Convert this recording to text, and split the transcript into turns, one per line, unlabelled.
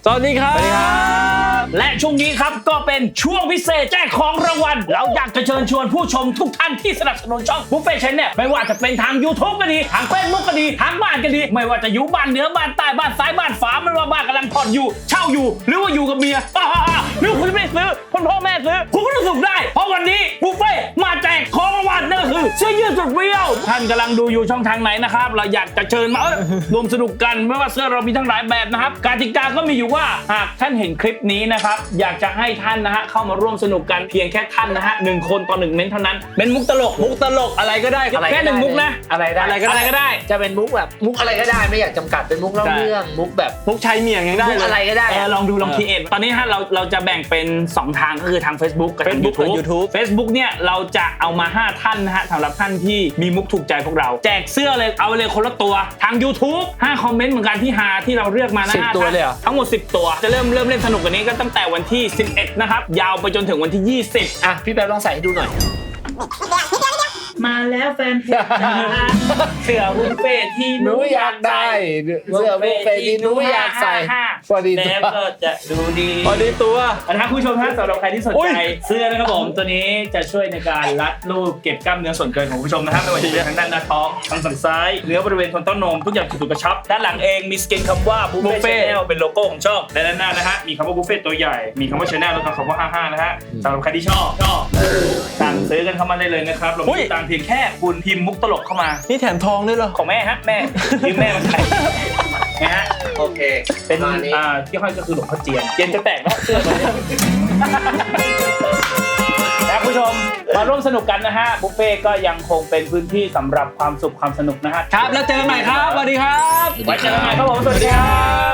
สวัสดีครับ
และช่วงนี้ครับก็เป็นช่วงพิเศษแจกของรางวัลเราอยากจะเชิญชวนผู้ชมทุกท่านที่สนับสนุนช่องบุฟเฟ่ต์ชาแนลไม่ว่าจะเป็นทาง YouTube ก็ดีทาง Facebook ก็ดีทางบ้านก็ดีไม่ว่าจะอยู่บ้านเหนือบ้านใต้บ้านซ้ายบ้านฝาไม่ว่าบ้านกำลังผ่อนอยู่เช่าอยู่หรือว่าอยู่กับเมียหรือคุณไม่ซื้อคุณพ่อแม่ซื้อคุณก็รู้สึกได้เพราะวันนี้บุฟเฟ่ต์มาแจกของรางวัลนั่นก็คือเสื้อยืดสุดเปรี้ยวท่านกำลังดูอยู่ช่องทางไหนนะครับเราอยากจะเชิญมารวมสนุกกันไม่ว่าเสื้อเรามีทั้งหลายแบบนะครับกติกาก็มีอยู่ว่าหากท่านเห็นคลิปนี้นะครับอยากจะให้ท่านนะฮะเข้ามาร่วมสนุกกันเพียงแค่ท่านนะฮะ1 คนต่อ1เม้นเท่านั้นเป็นมุกตลก
อะไรก็ได้
แค่1มุกนะ
อะไรก็ได้จะเป็นมุกแบบมุกอะไรก็ได้ไม่อยากจำกัดเป็นมุกเล่าเรื่องมุกแบบ
มุกชายเมียงยังได้
มุกอะไรก็ได้
ลองคิดเองตอนนี้ฮะเราจะแบ่งเป็น2ทางก็คือทาง Facebook กับทาง YouTube Facebook เนี่ยเราจะเอามา5ท่านนะฮะสำหรับท่านที่มีมุกถูกใจพวกเราแจกเสื้อเลยเอาเลยคนละตัวทาง YouTube 5 คอมเมนต์เหมือนกันที่หาที่เราเลือกมานะ5
ตัวเลยเหรอ
ทั้งหมด10 ตัวจะเริ่มเล่นสนุกกันนี้ก็ตั้งแต่วันที่11นะครับยาวไปจนถึงวันที่20
อ่ะพี่แป๊บลองใส่ให้ดูหน่อย
มาแล้วแฟนเพจเสื้อบุฟเฟ่ที่หนูอยากได้
เสื้อบุฟเฟ่ที่หนูอยากใส่พอดีตัว
แล้วก็จะดูดี
พอดีตัว
นะครับผู้ชมท่านสำหรับใครที่สนใจเสื้อนะครับผมตัวนี้จะช่วยในการรัดรูปเก็บกล้ามเนื้อส่วนเกินของผู้ชมนะครับไม่ว่าจะเป็นทางด้านหน้าท้องทางสันซ้ายเนื้อบริเวณโคนต้นนมทุกอย่างถูกกระชับด้านหลังเองมีสเกนคำว่าบุฟเฟ่ชาแนลเป็นโลโก้ของช่องและด้านหน้านะฮะมีคำว่าบุฟเฟ่ตัวใหญ่มีคำว่าชาแนลแล้วก็คำว่า55นะฮะสำหรับใครที่ชอบสั่งซื้อกันเข้ามาได้เลยนะครับเรามีตังเพียงแค่คุณพิมพ์มุกตลกเข้ามา
นี่แถมทองด้วยเหรอ
ของแม่ฮะแม่ยืมแม่มาใส่นะฮะ
โอเค
เป็นที่ห้อยก็คือหลวงพ่อเจียนจะแตกแล้วเสื้อตัวนี้นะผู้ชมมาร่วมสนุกกันนะฮะบุฟเฟ่ก็ยังคงเป็นพื้นที่สำหรับความสุขความสนุกนะฮะ
ครับแล้วเจอกันใหม่ครับสวัสดีครับ
ไว้เจอกันใหม่ครับผมสวัสดีครับ